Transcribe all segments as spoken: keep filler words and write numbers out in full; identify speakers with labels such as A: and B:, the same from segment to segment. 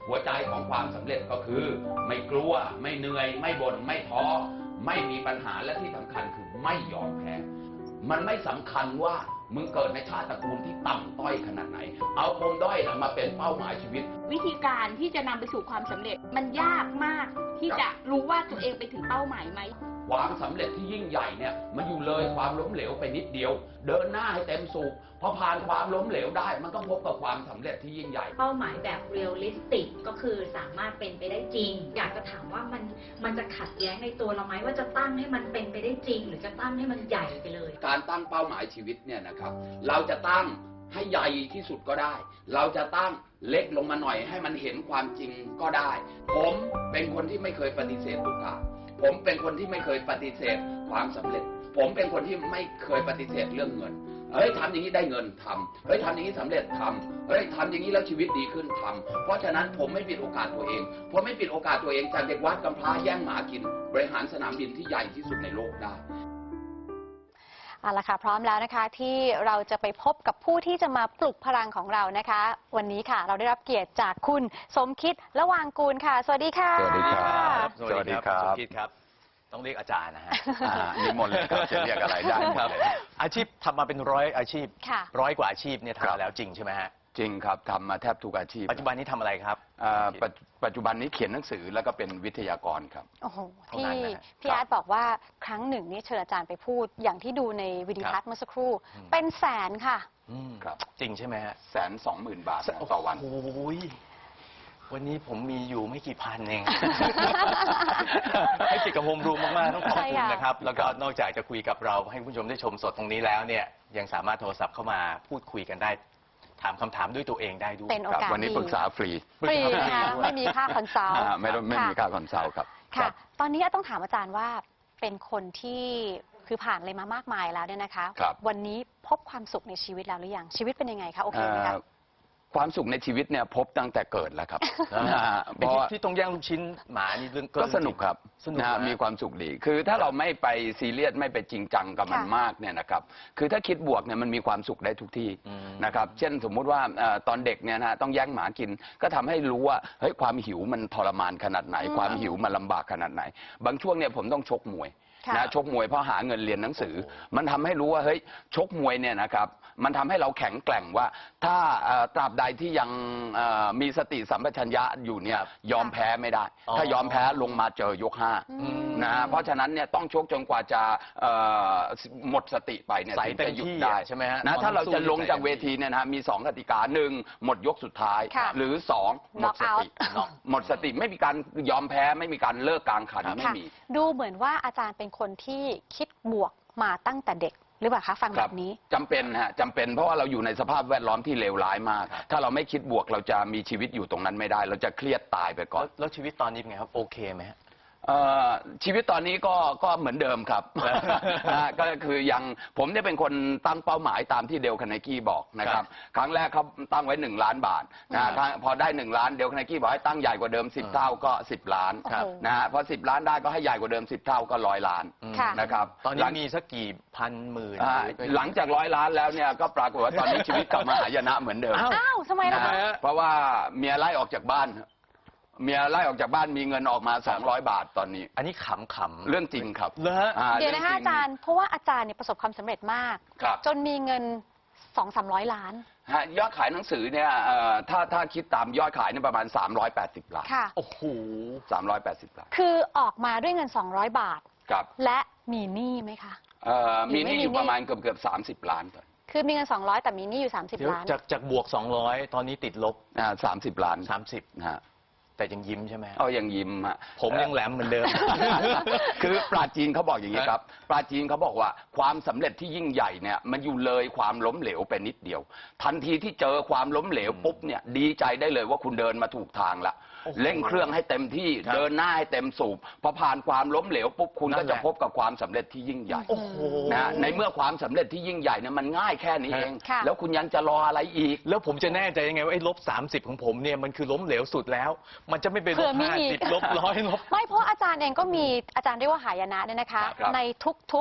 A: หัวใจของความสำเร็จก็คือไม่กลัวไม่เหนื่อยไม่บ่นไม่ท้อไม่มีปัญหาและที่สำคัญคือไม่ยอมแพ้มันไม่สำคัญว่ามึงเกิดในชาติตระกูลที่ต่ำต้อยขนาดไหนเอาปมด้อยมาเป็นเป้าหมายชีวิต
B: วิธีการที่จะนำไปสู่ความสำเร็จมันยากมากที่จะรู้ว่าตัวเองไปถึงเป้าหมายไหม
A: ความสำเร็จที่ยิ่งใหญ่เนี่ยมันอยู่เลยความล้มเหลวไปนิดเดียวเดินหน้าให้เต็มสูบพอผ่านความล้มเหลวได้มันก็พบกับความสำเร็จที่ยิ่งใหญ่
C: เป้าหมายแบบเรียลลิสติกก็คือสามารถเป็นไปได้จริงอยากจะถามว่ามันมันจะขัดแย้งในตัวเราไหมว่าจะตั้งให้มันเป็นไปได้จริงหรือจะตั้งให้มันใหญ่ไปเลย
A: การตั้งเป้าหมายชีวิตเนี่ยนะครับเราจะตั้งให้ใหญ่ที่สุดก็ได้เราจะตั้งเล็กลงมาหน่อยให้มันเห็นความจริงก็ได้ผมเป็นคนที่ไม่เคยปฏิเสธโอกาสผมเป็นคนที่ไม่เคยปฏิเสธความสำเร็จผมเป็นคนที่ไม่เคยปฏิเสธเรื่องเงินเฮ้ยทำอย่างนี้ได้เงินทำเฮ้ยทำอย่างนี้สำเร็จทำเฮ้ยทำอย่างนี้แล้วชีวิตดีขึ้นทำเพราะฉะนั้นผมไม่ปิดโอกาสตัวเองผมไม่ปิดโอกาสตัวเองจากเด็กวัดกำพร้าแย่งหมากินบริหารสนามบินที่ใหญ่ที่สุดในโลกได้
D: เอาละค่ะพร้อมแล้วนะคะที่เราจะไปพบกับผู้ที่จะมาปลุกพลังของเรานะคะวันนี้ค่ะเราได้รับเกียรติจากคุณสมคิดละวางกูลค่ะสวัสดีค่ะ
E: สวัสดีครับ
F: สวัสดีครับสมคิดครับต้องเรียกอาจารย์นะฮะ
E: นิมนต์เลยครับจะเรียกอะไรได้
F: ครับอาชีพทำมาเป็นร้อยอาชีพร้อยกว่าอาชีพเนี่ยทำมาแล้วจริงใช่ไหมฮะ
E: จริงครับทำมาแทบทุกอาชีพ
F: ปัจจุบันนี้ทำอะไรครับ
E: ปัจจุบันนี้เขียนหนังสือแล้วก็เป็นวิทยากรครับ
D: โอ้โหพี่พี่อาร์ตบอกว่าครั้งหนึ่งนี่เชิญอาจารย์ไปพูดอย่างที่ดูในวิดีทัศน์เมื่อสักครู่เป็นแสนค่ะ
E: ครับ
F: จริงใช่ไหมฮะ
E: แสนสองหมื่นบาทต่อวัน
F: โอ้ยวันนี้ผมมีอยู่ไม่กี่พันเองให้จิตกับโฮมรูมมากๆต้องขอบคุณนะครับแล้วก็นอกจากจะคุยกับเราให้ผู้ชมได้ชมสดตรงนี้แล้วเนี่ยยังสามารถโทรศัพท์เข้ามาพูดคุยกันได้ถามคำถามด้วยตัวเองได้ด้วย
D: เป็นโอกาส
E: วันนี้ปรึกษาฟรี
D: ฟรีนะคะไม่มีค่าคอนซัลท์
E: ไม่ไม่มีค่าคอนซัลท์ครับ
D: ค่ะตอนนี้ต้องถามอาจารย์ว่าเป็นคนที่คือผ่านอะไรมามากมายแล้วเนี่ยนะคะวันนี้พบความสุขในชีวิตแล้วหรือยังชีวิตเป็นยังไงคะโอเคไหมคะ
E: ความสุขในชีวิตเนี่ยพบตั้งแต่เกิดแล้วครับ
F: เพราะที่ต้องแย่งลูกชิ้นหมานี่
E: ก็สนุกครับมีความสุขดีคือถ้าเราไม่ไปซีเรียสไม่ไปจริงจังกับมันมากเนี่ยนะครับคือถ้าคิดบวกเนี่ยมันมีความสุขได้ทุกที่นะครับเช่นสมมุติว่าตอนเด็กเนี่ยนะต้องแย่งหมากินก็ทำให้รู้ว่าเฮ้ยความหิวมันทรมานขนาดไหนความหิวมันลำบากขนาดไหนบางช่วงเนี่ยผมต้องชกมวยนะชกมวยเพราะหาเงินเรียนหนังสือมันทำให้รู้ว่าเฮ้ยชกมวยเนี่ยนะครับมันทำให้เราแข็งแกร่งว่าถ้าตราบใดที่ยังมีสติสัมปชัญญะอยู่เนี่ยยอมแพ้ไม่ได้ถ้ายอมแพ้ลงมาเจอยกห้านะเพราะฉะนั้นเนี่ยต้องชกจนกว่าจะหมดสติไปเนี่ยถึงจะหยุดได้ใช่ไหมฮะนะถ้าเราจะลงจากเวทีเนี่ยนะมีสองกติกาหนึ่งหมดยกสุดท้ายหรือสองหมดสติหมดสติไม่มีการยอมแพ้ไม่มีการเลิกกลางขันไม่มี
D: ดูเหมือนว่าอาจารย์เป็นคนที่คิดบวกมาตั้งแต่เด็กหรือเปล่าคะฟังแบบนี้
E: จำเป็นฮะจำเป็นเพราะว่าเราอยู่ในสภาพแวดล้อมที่เลวร้ายมากถ้าเราไม่คิดบวกเราจะมีชีวิตอยู่ตรงนั้นไม่ได้เราจะเครียดตายไปก่อน
F: แล้วชีวิตตอนนี้เป็นไงครับโอเคไหมฮะ
E: ชีวิตตอนนี้ก็ก็เหมือนเดิมครับก็คือยังผมเนี่ยเป็นคนตั้งเป้าหมายตามที่เดลคาร์เนกี้บอกนะครับครั้งแรกเขาตั้งไว้หนึ่งล้านบาทนะพอได้หนึ่งล้านเดลคาร์เนกี้บอกให้ตั้งใหญ่กว่าเดิมสิบเท่าก็สิบล้านนะฮะพอสิบล้านได้ก็ให้ใหญ่กว่าเดิมสิบเท่าก็ร้อยล้านนะครับ
F: ตอนนี้มีสักกี่พันหมื่น
E: หลังจากร้อยล้านแล้วเนี่ยก็ปรากฏว่าตอนนี้ชีวิตกลับมาหายนะเหมือนเดิม
D: อ้าวทำไมล่ะ
E: เพราะว่าเมียไล่ออกจากบ้านเมียไล่ออกจากบ้านมีเงินออกมาสองร้อยบาทตอนนี้
F: อันนี้ขำขำ
E: เรื่องจริงครับ
D: เดี๋ยวนะคะอาจารย์เพราะว่าอาจารย์เนี่ยประสบความสำเร็จมากจนมีเงินสองสามร้อยล้าน
E: ยอดขายหนังสือเนี่ยถ้าถ้าคิดตามยอดขายเนี่ยประมาณสามร้อยแปดสิบล้าน
D: โอ้โห
E: สามร้อยแปดสิบล้าน
D: คือออกมาด้วยเงินสองร้อยบาทและมีหนี้ไหมคะ
E: มีหนี้อยู่ประมาณเกือบเกือบสามสิบล้านตอน
D: คือมีเงินสองร้อยแต่มีหนี้อยู่สามสิบล้าน
F: จากจากบวกสองร้อยตอนนี้ติดลบ
E: สามสิบล้าน
F: สามสิบนะฮะแต่ยังยิ้มใช่ไหม
E: อ๋อยังยิ้มฮะ
F: ผมยังแหลมเหมือนเดิม
E: คือปราจีนเขาบอกอย่างนี้ครับปราจีนเขาบอกว่าความสำเร็จที่ยิ่งใหญ่เนี่ยมันอยู่เลยความล้มเหลวไปนิดเดียวทันทีที่เจอความล้มเหลวปุ๊บเนี่ยดีใจได้เลยว่าคุณเดินมาถูกทางละเร่งเครื่องให้เต็มที่เดินหน้าให้เต็มสูบพอผ่านความล้มเหลวปุ๊บคุณก็จะพบกับความสำเร็จที่ยิ่งใหญ่นะในเมื่อความสำเร็จที่ยิ่งใหญ่เนี่ยมันง่ายแค่นี้เองแล้วคุณยังจะรออะไรอีก
F: แล้วผมจะแน่ใจยังไงว่าไอ้ลบสามสิบของผมเนี่ยมันคือล้มเหลวสุดแล้วมันจะไม่เป็นลบห้าสิบลบร้อยลบ
D: ไม่เพราะอาจารย์เองก็มีอาจารย์เรียกว่าหายนะเนี่ยนะคะในทุกๆเฟ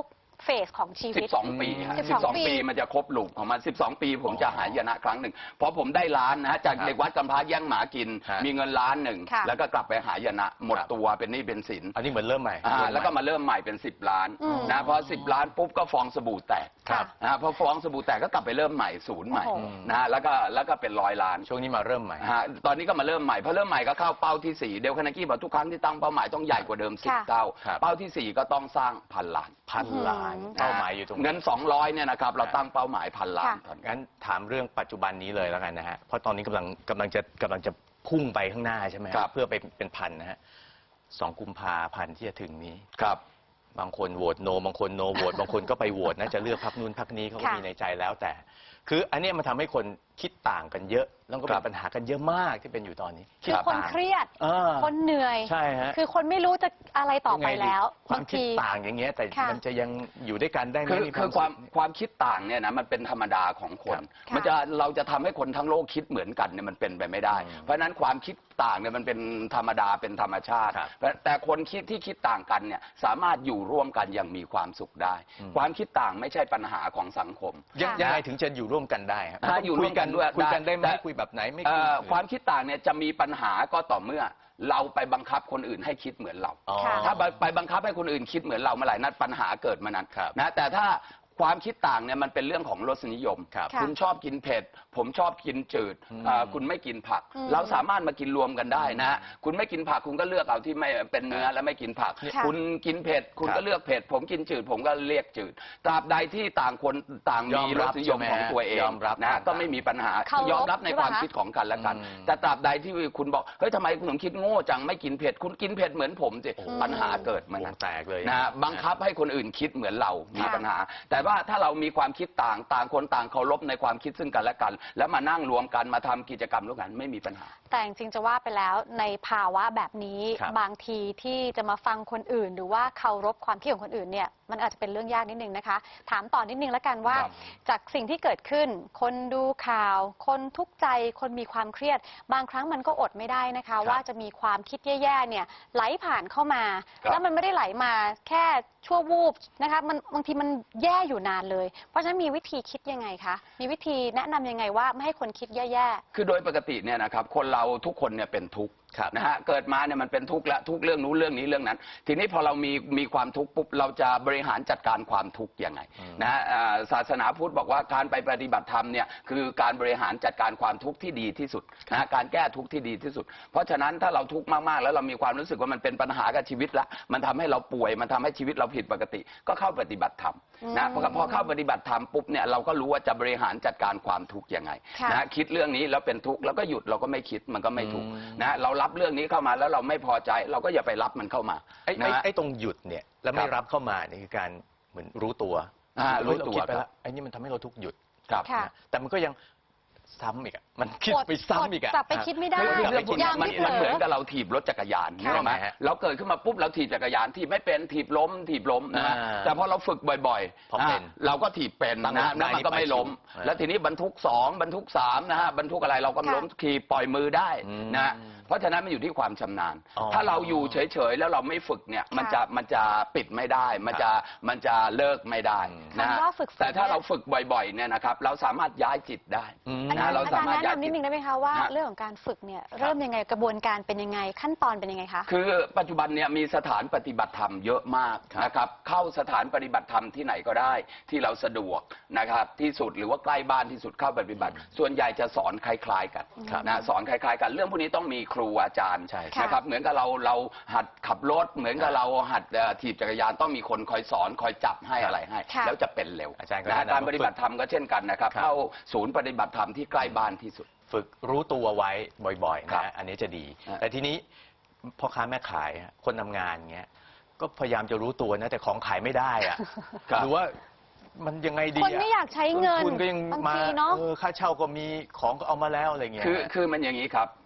D: เฟสของชีวิต
E: สิบสอง ปีฮะ
D: สิบ
E: สิ
D: ส
E: บ
D: อง
E: สอง
D: ปี
E: ปีมันจะครบลูปของมันสิบสอง ปีผมจะหายนะครั้งหนึ่งพอผมได้ล้านนะฮะจาก
F: ครับ
E: เด็กวัดกำพร้าแย่งหมากิน
F: ฮะ
E: มีเงินล้านหนึ่ง
D: ค่ะ
E: แล้วก็กลับไปหายนะหมด
F: ครับ
E: ตัวเป็นหนี้เป็นสิน
F: อันนี้เหมือนเริ่มใหม่
E: อ่า
F: เริ่ให
E: แล้วก็มาเริ่มใหม่เป็นสิบล้าน
D: อืม
E: นะพอสิบล้านปุ๊บก็ฟองสบู่แตก
F: ครับ
E: นะฮะพอฟองสบู่แตกก็กลับไปเริ่มใหม่ศูนย์ใหม่
D: โอ้โห
E: นะฮะแล้วก็แล้วก็เป็นร้อยล้าน
F: ช่วงนี้มาเริ่มใหม่
E: ฮะตอนนี้ก็มาเริ่มใหม่พอเริ่มใหม่ก็เข้าเป้าที่สี่เดลคานากิบอกทุกครั้งที่ตั้งเป้าหมายต้องใหญ่กว่าเดิมสิบ
D: ค่ะ
E: เท่า
F: ครับ
E: เป้าที่สี่ก็ต้องสร้างพันล้าน
F: พันล้าน
D: อืม
F: เป้าหมายอยู่ตรง
E: เงินสองร้อยเนี่ยนะครับเราตั้งเป้าหมายพันล้าน
D: ค่ะ
E: ตอนนี้
F: งั้นถามเรื่องปัจจุบันนี้เลยแล้วกันนะฮะ เพราะตอนนี้กำลังกำลังจะกำลังจะพุ่งไปข้างหน้าใช่ไหมฮะ
E: ครับ
F: เพื่อไปเป็นพันนะฮะสองกุมภาพันธ์ที่จะถึงนี้
E: ครับ
F: บางคนโหวตโน บางคนโนโหวต บางคนก็ไปโหวตนะจะเลือกพรรคนู้นพรรคนี้เขาก็
D: ค่ะ
F: มีในใจแล้วแต่ คืออันเนี้ยมันทำให้คนคิดต่างกันเยอะ แล้วก็
E: ค
F: เป็
E: รับ
F: นปัญหากันเยอะมากที่เป็นอยู่ตอนนี้
D: คือคน
F: ต่าง
D: เครียด
F: เออ
D: คนเหนื่อย
F: ใช่ฮะ
D: คือคนไม่รู้จะอะไรต่อไป
F: ยังงดี
D: แล้ว
F: ความ
D: บาง
F: คิด
D: ที
F: ต่างอย่างเงี้ยแต่
D: ค่ะ
F: มันจะยังอยู่ด้วยกันได้ไหม
E: คือ
F: มี
E: คือความ
F: สุข
E: ความคิดต่างเนี่ยนะมันเป็นธรรมดาของคน
D: ค่ะ
E: มันจะเราจะทำให้คนทั้งโลกคิดเหมือนกันเนี่ยมันเป็นไปไม่ได้
F: อืม
E: เพราะฉะนั้นความคิดต่างเนี่ยมันเป็นธรรมดาเป็นธรรมชาติ
F: ครับ
E: แต่คนคิดที่คิดต่างกันเนี่ยสามารถอยู่ร่วมกันอย่างมีความสุขได้
F: อืม
E: ความคิดต่างไม่ใช่ปัญหาของสังคม
F: ยัง
D: ค่ะ
F: ยังไงถึงจะอยู่ร่วมกันได้ฮะ
E: ถ้าอยู่ร่วมกันด้วย
F: คุยกันได้ไหม
E: แต่
F: คุยแบบไหนไม่
E: เอ่
F: คุย
E: อความคิดต่างเนี่ยจะมีปัญหาก็ต่อเมื่อ เราไปบังคับคนอื่นให้คิดเหมือนเรา
F: อ๋อ
D: ค่ะ
E: ถ้าไปบังคับให้คนอื่นคิดเหมือนเราเมื่อไหร่นั้นปัญหาเกิดมานั้น
F: ครับ
E: นะแต่ถ้าความคิดต่างเนี่ยมันเป็นเรื่องของรสนิยม
F: ครับ
D: ค่ะ
E: คุณชอบกินเผ็ด ผมชอบกินจืด
F: อืม
E: เอ่อคุณไม่กินผัก
D: อืม
E: เราสามารถมากินรวมกันได้นะ คุณไม่กินผักคุณก็เลือกเอาที่ไม่เป็นเนื้อและไม่กินผัก
D: ค่ะ
E: คุณกินเผ็ดคุณ
F: ครับ
E: ก็เลือกเผ็ด ผมกินจืด ผมก็เรียกจืด ตราบใดที่ต่างคนต่าง
F: ย
E: มี
F: อม
E: ร
F: รั
E: ส
F: บ
E: นิยม
F: ใช่ไหม
E: ของตัวเอง
F: ยอมรับ
E: นะ
F: ต่างๆ
E: ก็ไม่มีปัญหา
D: เคารพ
E: ยอมรับใน
D: ใช่ปะ
E: ความ
D: คะ
E: คิดของกันและกัน
F: อืม
E: แต่ตราบใดที่คุณบอกเฮ้ยทำไมคุณถึงคิดโง่จังไม่กินเผ็ดคุณกินเผ็ดเหมือนผมสิ
F: โอ้โห
E: ปัญหาเกิดมัน
F: วงแตกเลย
E: นะฮะบังคับให้คนอื่นคิดเหมือนเรามี
D: ค่ะ
E: ปัญหา แต่ว่าถ้าเรามีความคิดต่างต่างคนต่างเคารพในความคิดซึ่งกันและกัน แล้วมานั่งรวมกันมาทำกิจกรรมร่วมกันไม่มีปัญหา
D: แต่จริงๆจะว่าไปแล้วในภาวะแบบนี้
F: ครับ
D: บางทีที่จะมาฟังคนอื่น หรือว่าเคารพความคิดของคนอื่นเนี่ยมันอาจจะเป็นเรื่องยากนิดนึงนะคะ ถามต่อนิดนึงแล้วกันว่า
F: ครับ
D: จากสิ่งที่เกิดขึ้น คนดูข่าว คนทุกข์ใจ คนมีความเครียด บางครั้งมันก็อดไม่ได้นะคะ ว่าจะมีความคิดแย่ๆเนี่ยไหลผ่านเข้ามา
E: ครับ
D: แล้วมันไม่ได้ไหลมาแค่ชั่ววูบนะคะมันบางทีมันแย่อยู่นานเลย เพราะฉะนั้นมีวิธีคิดยังไงคะมีวิธีแนะนำยังไงว่าไม่ให้คนคิดแย่ๆ
E: คือโดยปกติเนี่ยนะครับคนเราทุกคนเนี่ยเป็นทุกข์
F: ครับ
E: นะฮะเกิดมาเนี่ยมันเป็นทุกข์และทุกข์เรื่องนู้นเรื่องนี้เรื่องนั้น ทีนี้พอเรามีมีความทุกข์ปุ๊บเราจะบริหารจัดการความทุกข์ยังไง
F: อืม
E: นะฮะอ่าศาสนาพุทธบอกว่าการไปปฏิบัติธรรมเนี่ยคือการบริหารจัดการความทุกข์ที่ดีที่สุดนะฮะการแก้ทุกข์ที่ดีที่สุด เพราะฉะนั้นถ้าเราทุกข์มากๆแล้วเรามีความรู้สึกว่ามันเป็นปัญหากับชีวิตละมันทำให้เราป่วยมันทำให้ชีวิตเราผิดปกติ ก็เข้าปฏิบัติธรรมนะ
D: อืม
E: พอพอเข้าปฏิบัติธรรมปุ๊บเนี่ยเราก็รู้ว่าจะบริหารจัดการความทุกข์ยังไง
D: ค่ะ
E: นะฮะคิดเรื่องนี้แล้วเป็นทุกข์แล้วก็หยุดเราก็ไม่คิดมันก็ไม่ทุกข์
F: อืม
E: นะเรารับเรื่องนี้เข้ามาแล้วเราไม่พอใจเราก็อย่าไปรับมันเข้ามา
F: ไอ้
E: นะ
F: ไอ้
E: ฮะ
F: ไอ้ตรงหยุดเนี่ยแล้วไม่
E: ครับ
F: รับเข้ามาเนี่ยคือการเหมือนรู้ตัว
E: อ่ารู้ตัว
F: เฮ้ยเาคิดไป
E: ครั
F: แล้
E: บ
F: วไอ้นี่มันทำให้เราทุกข์หยุด
E: ครับ
D: ค่ะ
F: นะแต่มันก็ยังซ้ำอีกอะมันคิด
D: อด
F: ไปซ้ำอีกอะ
D: กลับไปคิดไม่ได้
E: คือเรื่องพวกเนี้ย
D: ยัง
E: มัน
D: ไม่เผลอ
E: มันเหมือนกับเราถีบรถจักรยาน
D: ค่ะ
E: ใช่ไหม
F: ฮะ
E: เราเกิดขึ้นมาปุ๊บเราถีบจักรยานถีบไม่เป็นถีบล้ม ถีบล้มนะฮะ
F: อ่า
E: แต่พอเราฝึกบ่อย
F: พอเป็น
E: นะฮะเราก็ถีบเป็น
F: ตั้ง
E: นะฮะ
F: หลัก
E: แล้วมันก็ไม่ล้ม
F: ได้นี่ไป
E: แล้วทีนี้บรรทุกสองบรรทุกสามนะฮะบรรทุกอะไรเราก็
D: ค่ะ
E: ล้มขี่ปล่อยมือได้
F: อืม
E: นะฮะเพราะฉะนั้นมันอยู่ที่ความชำนาญ
F: อ๋อ
E: ถ้าเราอยู่เฉยๆแล้วเราไม่ฝึกเนี่ยมันจะมันจะปิดไม่ได้ มันจะมันจะเลิกไม่ได้
F: อืม
E: นะฮะ
D: คำว่าฝึก
E: แต่ถ้าเราฝึกบ่อยๆเนี่ยนะครับเราสามารถย้ายจิตได้
F: อืม
D: อาจารย์
E: เรา
D: อา
E: สา
D: จารย์
E: มารถ
D: แนะนำนิดนึงได้ไหมคะว่า
E: ฮะ
D: เรื่องของการฝึกเนี่ยเริ่มยังไงกระบวนการเป็นยังไงขั้นตอนเป็นยังไงคะ
E: คือปัจจุบันเนี่ยมีสถานปฏิบัติธรรมเยอะมากนะครับเข้าสถานปฏิบัติธรรมที่ไหนก็ได้ที่เราสะดวกนะครับที่สุดหรือว่าใกล้บ้านที่สุดเข้าปฏิบัติ ส่วนใหญ่จะสอนคล้ายๆกัน
F: ครับ
E: นะสอนคล้ายๆกันเรื่องพวกนี้ต้องมีครูอาจารย์
F: ใช่
D: ค่ะ
E: นะครับเหมือนกับเราเราหัดขับรถ เหมือนกับเราหัดเอ่อถีบจักรยานต้องมีคนคอยสอนคอยจับให้อะไรให้
D: ค่ะ
E: แล้วจะเป็นเร็ว
F: อาจารย์ก็
E: นะ
F: แนะนำ
E: การปฏิบัติธรรมก็เช่นกันนะครับ
F: ครับ
E: เข้าศูนย์ปฏิบัติธรรมที่ใกล้บ้านที่สุด
F: ฝึกรู้ตัวไว้บ่อยๆ
E: ครั
F: นะ
E: บ
F: อันนี้จะดี
E: ฮะ
F: แต่ทีนี้พ่อค้าแม่ขายอะคนทำงานเงี้ยก็พยายามจะรู้ตัวนะแต่ของขายไม่ได้อะ
E: ครับ
F: หรือว่ามันยังไงดี
D: คนไม่อยากใช้เงิน
F: ต้ทุนก็ยัง
D: บาง
F: มา
D: ทีเนอะ
F: เออค่าเช่าก็มีของก็เอามาแล้วอะไรเงี้ย
E: คือคือมันอย่างนี้ครับ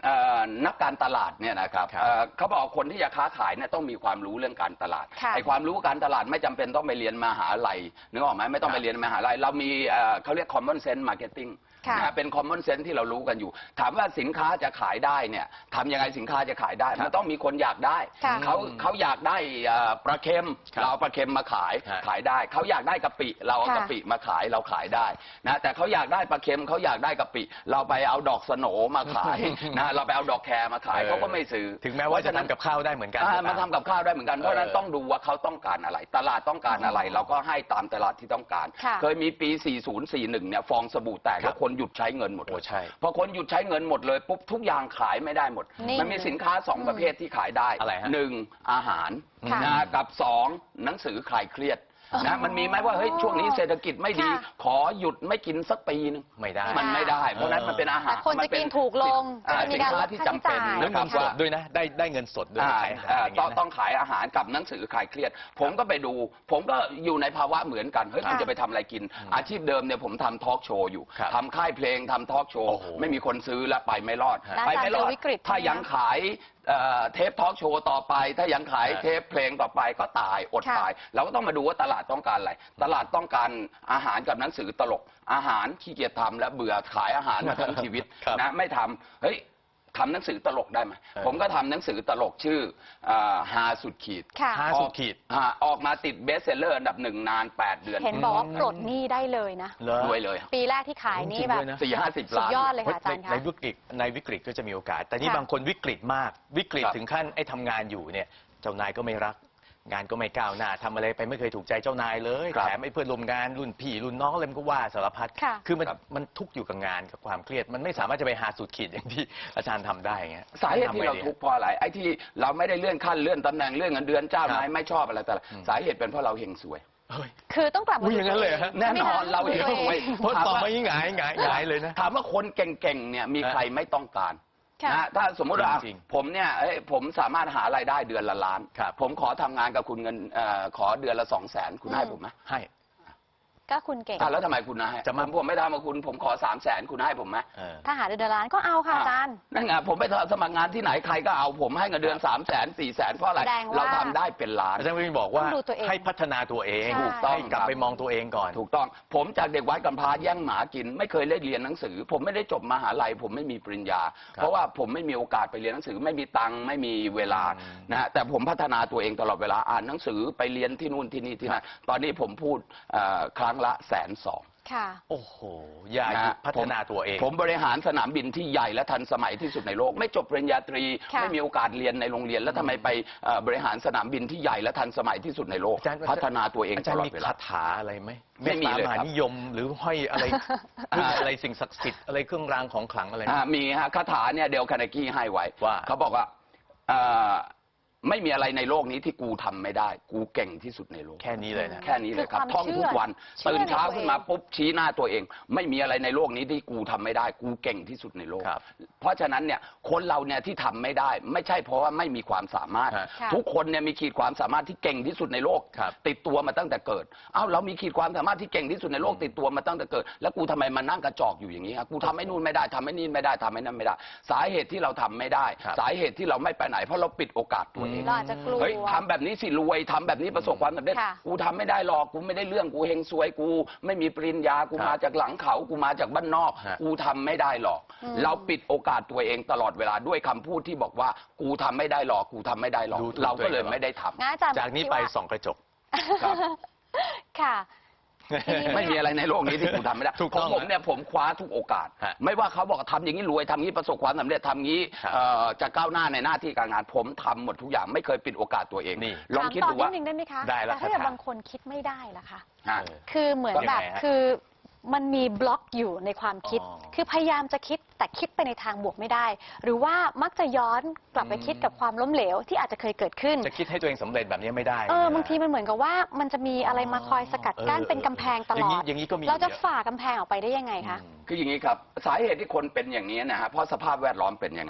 E: เอ่อนักการตลาดเนี่ยนะครับ
F: ครับ
E: เอ่อเขาบอกคนที่จะค้าขายเนี่ยต้องมีความรู้เรื่องการตลาด
D: ค่ะ
E: ไอ้ความรู้การตลาดไม่จำเป็นต้องไปเรียนมหาลัยนึกออกไหมไม่ต้อง
F: ครั
E: ไป
F: บ
E: เรียนมหาลัยเรามีเอ่อเขาเรียก common sense marketing
D: ค่ะ
E: นะฮะเป็น common sense ที่เรารู้กันอยู่ ถามว่าสินค้าจะขายได้เนี่ยทำยังไงสินค้าจะขายได้
F: ครับ
E: มันต้องมีคนอยากได้
D: ค่ะ
E: เขาเขาอยากได้เอ่อปลาเค็ม
F: ครับ
E: เราเอาปลาเค็มมาขาย
F: ฮะ
E: ขายได้เขาอยากได้กะปิเราเอา
D: ค่ะ
E: กะปิมาขายเราขายได้นะแต่เขาอยากได้ปลาเค็มเขาอยากได้กะปิ เราไปเอาดอกสโหนมาขายนะเราไปเอาดอกแครมาขาย
F: เออ
E: เขาก็ไม่ซื้อ
F: ถึงแม้ว่าจะทำกับข้าวได้เหมือนกัน
E: อ่า
F: ก็ต
E: มาทำกับข้าวได้เหมือนกันเพราะฉะนั้น
F: เออ
E: ต้องดูว่าเขาต้องการอะไร ตลาดต้องการอะไร เราก็ให้ตามตลาดที่ต้องการ
D: ค่ะ
E: เคยมีปี สี่สิบ สี่สิบเอ็ด เนี่ยฟองสบู่แตก
F: ครั
E: แล้
F: บ
E: วคนหยุดใช้เงินหมดเล
F: โอ้
E: ย
F: ใช่
E: พอคนหยุดใช้เงินหมดเลยปุ๊บทุกอย่างขายไม่ได้หมด
D: นี่
E: มันมีสินค้าสองประเภทที่ขายได้
F: อะไรฮะ
E: หนึ่งอาหาร
D: ค่ะ
E: นะกับสองหนังสือคลายเครียด
D: อ๋อ
E: นะมันมีไหมว่าเฮ้ยช่วงนี้เศรษฐกิจไม่ดี
D: ค่ะ
E: ขอหยุดไม่กินสักปีนึง
F: ไม่ได้
E: มันไม่ได้ เพราะฉะนั้นมันเป็นอาหาร
D: แต่คนจะกินถูกลง
E: อ่า
D: จะมี
E: สิน
D: การ
E: ค้า
D: ลด
E: ที่
D: ค่า
E: จำเป็น
D: ใช้จ่าย
F: แล้ว
E: นะค
F: เงิ
E: รับ
F: นสด
E: ว่า
F: ด้วยนะ ได้ได้เงินสดด้วย
E: อ่า
F: ขายอาหาร
E: เอ่อ
F: อย่าง
E: ต้อ
F: เงี้
E: ง
F: ยนะ
E: ต้องขายอาหารกับหนังสือคลายเครียด ผมก็ไปดู ผมก็อยู่ในภาวะเหมือนกันเฮ้ย
D: ค่ะ
E: คุณจะไปทำอะไรกิน
F: อืม
E: อาชีพเดิมเนี่ยผมทำทอล์กโชว์อยู่
F: ครับ
E: ทำค่ายเพลงทำทอล์กโช
F: โอ้
E: ว์
F: โห
E: ไม่มีคนซื้อแล้วไปไม่รอด
D: แล้ว
E: ไปไม่รอด
D: อาจารย์เจอวิกฤต
E: ถ้า
D: ใช่ไหม
E: ยังขายเอ่อเทปทอล์กโชว์ต่อไป ถ้ายังขาย
F: ฮะ
E: เทปเพลงต่อไปก็ตายอด
D: ค่ะ
E: ตาย เราก็ต้องมาดูว่าตลาดต้องการอะไรตลาดต้องการอาหารกับหนังสือตลก อาหารขี้เกียจทำและเบื่อขายอาหารมาทั้งชีวิต
F: ครับ
E: นะไม่ทำเฮ้ยทำหนังสือตลกได้ไหม
F: เออ
E: ผมก็ทำหนังสือตลกชื่ออ่าฮาสุดขีด
D: ค่ะ
F: ห้าสุดขีด
E: ออกออกมาติดเบสเซลเลอร์อันดับหนึ่งนานแปดเดือน
D: เห็นบอกว่าปลดหนี้ได้เลยนะ
F: เหรอ
E: รวยเลย
D: ปีแรกที่ขายนี่แบบ
F: จริงด้วยนะ
E: สี่ห้าสิบ
D: สุด
E: ล้าน
D: ยอดเลยค่ะอาจารย์
F: ใน
D: คะ
F: ในวิกฤตในวิกฤตก็จะมีโอกาส แต่นี่
D: ค่ะ
F: บางคนวิกฤตมาก วิกฤต
E: ครับ
F: ถึงขั้นไอ้ทำงานอยู่เนี่ย เจ้านายก็ไม่รัก งานก็ไม่ก้าวหน้าทำอะไรไปไม่เคยถูกใจเจ้านายเลย
E: ครับ
F: แถมไอ้เพื่อนร่วมงานรุ่นพี่รุ่นน้องอะไรมันก็ว่าสารพัด
D: ค่ะ
F: คือมัน
E: ครับ
F: มันทุกข์อยู่กับงานกับความเครียด มันไม่สามารถจะไปหาสุดขีดอย่างที่อาจารย์ทำได้ไง
E: สาเหตุที่เราทุกข์เพราะอะไรไอ้ที่เราไม่ได้เลื่อนขั้นเลื่อนตำแหน่งเลื่อนเงินเดือนเจ้านายไม่ชอบอะไรแต่ละ
F: อืม
E: สาเหตุเป็นเพราะเราเฮงสวย
F: เฮ้ย
D: คือต้องกลับมา
F: อุ๊ยอย่างนั้นเลยเหรอฮะ
E: แน่นอนเรา
D: เห็
E: เฮงสวย
F: เพราะตอบมายิ่งหงายหงายหงายเลยนะ
E: ถามว่าคนเก่งๆเนี่ยมีใครไม่ต้องการ
D: ค่ะ
E: นะถ้าสมมุติว่า
F: จริง
E: ผมเนี่ยเอ้ยผมสามารถหารายได้เดือนละล้าน
F: ครับ
E: ผมขอทำงานกับคุณเงินเอ่อขอเดือนละสองแสนคุณให้ผมไหม
F: ให้
D: ก็คุณเก่ง
E: อ่ะแล้วทำไมคุณให้
F: จะมา
E: ผมผมไม่ทำกับคุณ ผมขอสามแสนคุณให้ผมไหม
F: เออ
D: ถ้าหาเดือนละล้านก็เอาค่ะอาจารย์
E: นั่นไงผมไปสมัครงานที่ไหนใครก็เอาผมให้เงินเดือนสามแสนสี่แสนเพราะอะไร
D: แสดงว่า
E: เราทำได้เป็นล้าน
F: อาจารย์วินบอกว่า
D: ต้องดูตัวเอง
F: ให้พัฒนาตัวเอง
D: ใช่
E: ถูกต้อง
F: ให้กลับ
E: ครับ
F: ไปมองตัวเองก่อน
E: ถูกต้อง ผมจากเด็กวัดกำพร้าแย่งหมากิน ไม่เคยได้เรียนหนังสือ ผมไม่ได้จบมหาลัย ผมไม่มีปริญญา
F: ครับ
E: เพราะว่าผมไม่มีโอกาสไปเรียนหนังสือ ไม่มีตังค์ไม่มีเวลา
F: อืม
E: นะฮะแต่ผมพัฒนาตัวเองตลอดเวลาอ่านหนังสือไปเรียนที่นู่นที่นี่ที่นั่นตอนนี้ผมพูดเอ่อครั้งละแสนสอง
D: ค่ะ
F: โอ้โห อย่าหยุดพัฒนาตัวเอง
E: ผมบริหารสนามบินที่ใหญ่และทันสมัยที่สุดในโลก ไม่จบปริญญาตรี
D: ค่ะ
E: ไม่มีโอกาสเรียนในโรงเรียน แล้วทำไมไปเอ่อบริหารสนามบินที่ใหญ่และทันสมัยที่สุดในโลก
F: อาจารย์
E: พัฒนาตัวเอง
F: อา
E: ต
F: จารย์
E: ลอด
F: มี
E: เวลา
F: คาถาอะไรไหม
E: ไม่มีเลย
F: ตามหา
E: ครับ
F: นิยมหรือห้อยอะไร พึ่งอะไรสิ่งศักดิ์สิทธิ์อะไรเครื่องรางของขลังอะไรไหม
E: อ่ามีฮะคาถาเนี่ยเดลคาร์เนกี้ให้ไว้
F: ว่า
E: เขาบอกว่าเอ่อไม่มีอะไรในโลกนี้ที่กูทำไม่ได้ กูเก่งที่สุดในโลก
F: แค่นี้เลยนะ
E: แค่นี้เลยครับ
D: คือความ
E: ท่องทุกวัน
D: เชื่อ
E: ตื่นเช้า
D: เชื่อในตัวเอง
E: ขึ้นมาปุ๊บชี้หน้าตัวเอง ไม่มีอะไรในโลกนี้ที่กูทำไม่ได้ กูเก่งที่สุดในโลก
F: ครับ
E: เพราะฉะนั้นเนี่ยคนเราเนี่ยที่ทำไม่ได้ ไม่ใช่เพราะว่าไม่มีความสามารถ
F: ฮะ
D: ค่ะ
E: ทุกคนเนี่ยมีขีดความสามารถที่เก่งที่สุดในโลก
F: ครับ
E: ติดตัวมาตั้งแต่เกิดเอ้าเรามีขีดความสามารถที่เก่งที่สุดในโลก
F: อืม
E: ติดตัวมาตั้งแต่เกิด แล้วกูทำไมมานั่งกระจอกอยู่อย่างนี้ครับกูทำให้นู่นไม่ได้ทำให้นี่ไม่ได้ทำให้นั่นไม่ได้ สาเหตุที่เราทำไม่ได้
F: ครับ
E: สาเหตุที่เราไม่ไปไหน เพราะเราปิดโอกาสตัวเอง
D: เราอาจจะกลัว
E: เฮ้ยทำแบบนี้สิรวยทำแบบนี้ประสบความสำเร็จ
D: ค่ะ
E: กูทำไม่ได้หรอกกูไม่ได้เรื่องกูเฮงซวยกู ไม่มีปริญญากู
F: ครับ
E: มาจากหลังเขากูมาจากบ้านนอก
F: ฮะ
E: กูทำไม่ได้หรอก
D: อืม
E: เราปิดโอกาสตัวเองตลอดเวลาด้วยคำพูดที่บอกว่ากูทำไม่ได้หรอกกูทำไม่ได้หรอก
F: ดูถูก
E: เราก็เลย
F: ตัวเอง
E: ไม่ได้ทำ
D: งั้นอาจารย์
F: จากนี้
D: คิด
F: ไป
D: ว่า
F: ส่องกระจก
E: ครับ
D: ค่ะ ทีนี้
E: ไม่มีอะไรในโลกนี้ที่กูทำไม่ได้
F: ถูก
E: ข
F: ต้
E: อ
F: อง ง
E: ผมเนี่ยผมคว้าทุกโอกาส
F: ฮะ
E: ไม่ว่าเขาบอกทำอย่างนี้รวยทำงี้ประสบความสำเร็จทำงี้
F: ครับ
E: เอ่อจะก้าวหน้าในหน้าที่การงานผมทำหมดทุกอย่างไม่เคยปิดโอกาสตัวเอง
F: นี่
E: ลองคิด
D: ถาม
E: ดู
D: ต่อ
E: ว่า
D: นิดนึงได้ไหมคะ
F: ได้แล้ว
D: แต่ถ้าเกิด
F: ครับ
D: บางคนคิดไม่ได้ล่ะคะ
E: ฮะ
F: เออ
D: คือเหมือน
F: ยังไง
D: แบบ
F: ฮะ
D: คือมันมีบล็อกอยู่ในความคิด
F: อ๋อ
D: คือพยายามจะคิดแต่คิดไปในทางบวกไม่ได้ หรือว่ามักจะย้อนกลับไป
F: อืม
D: คิดกับความล้มเหลวที่อาจจะเคยเกิดขึ้น
F: จะคิดให้ตัวเองสำเร็จแบบนี้ไม่ได้
D: เออ
F: นะ
D: บางทีมันเหมือนกับว่ามันจะมีอะไรมาคอยสกัดกั้น
F: เออ
D: เป็นกำแพงตล
F: ย่า
D: อ
F: นี้
D: ด
F: อย่างนี้ก็มี
D: เราจะ
F: ยอ
D: ฝ่ากำแพงออกไปได้ยังไงคะ
F: อืม
E: คืออย่างนี้ครับสาเหตุที่คนเป็นอย่างนี้นะฮะเพราะสภาพแวดล้อมเป็นอย่างนั้น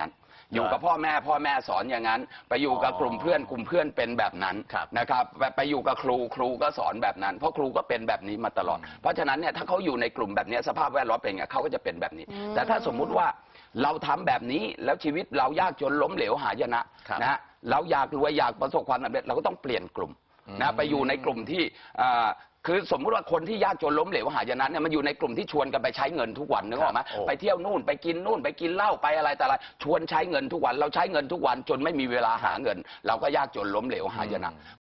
E: อยู่กับพ่อแม่พ่อแม่สอนอย่างนั้น ไปอยู่กับกลุ่มเพื่อนกลุ่มเพื่อนเป็นแบบนั้น
F: ครับ
E: นะครับไปอยู่กับครูครูก็สอนแบบนั้น เพราะครูก็เป็นแบบนี้มาตลอด เพราะฉะนั้นเนี่ยถ้าเขาอยู่ในกลุ่มแบบนี้สภาพแวดล้อมเป็นไงเขาก็จะเป็นแบบนี้
D: อืม
E: แต่ถ้าสมมุติว่าเราทำแบบนี้แล้วชีวิตเรายากจนล้มเหลวหายนะครับ นะฮะเราอยากรวยอยากประสบความสำเร็จเราก็ต้องเปลี่ยนกลุ่ม
F: อืม
E: นะไปอยู่ในกลุ่มที่อ่าคือสมมุติว่าคนที่ยากจนล้มเหลวหายนะเนี่ยมันอยู่ในกลุ่มที่ชวนกันไปใช้เงินทุกวันนึกออกไหม
F: ครับโอ้
E: ไปเที่ยวนู่นไปกินนู่นไปกินเหล้าไปอะไรแต่อะไรชวนใช้เงินทุกวันเราใช้เงินทุกวันจนไม่มีเวลาหาเงิน เราก็ยากจนล้มเหลวหายนะ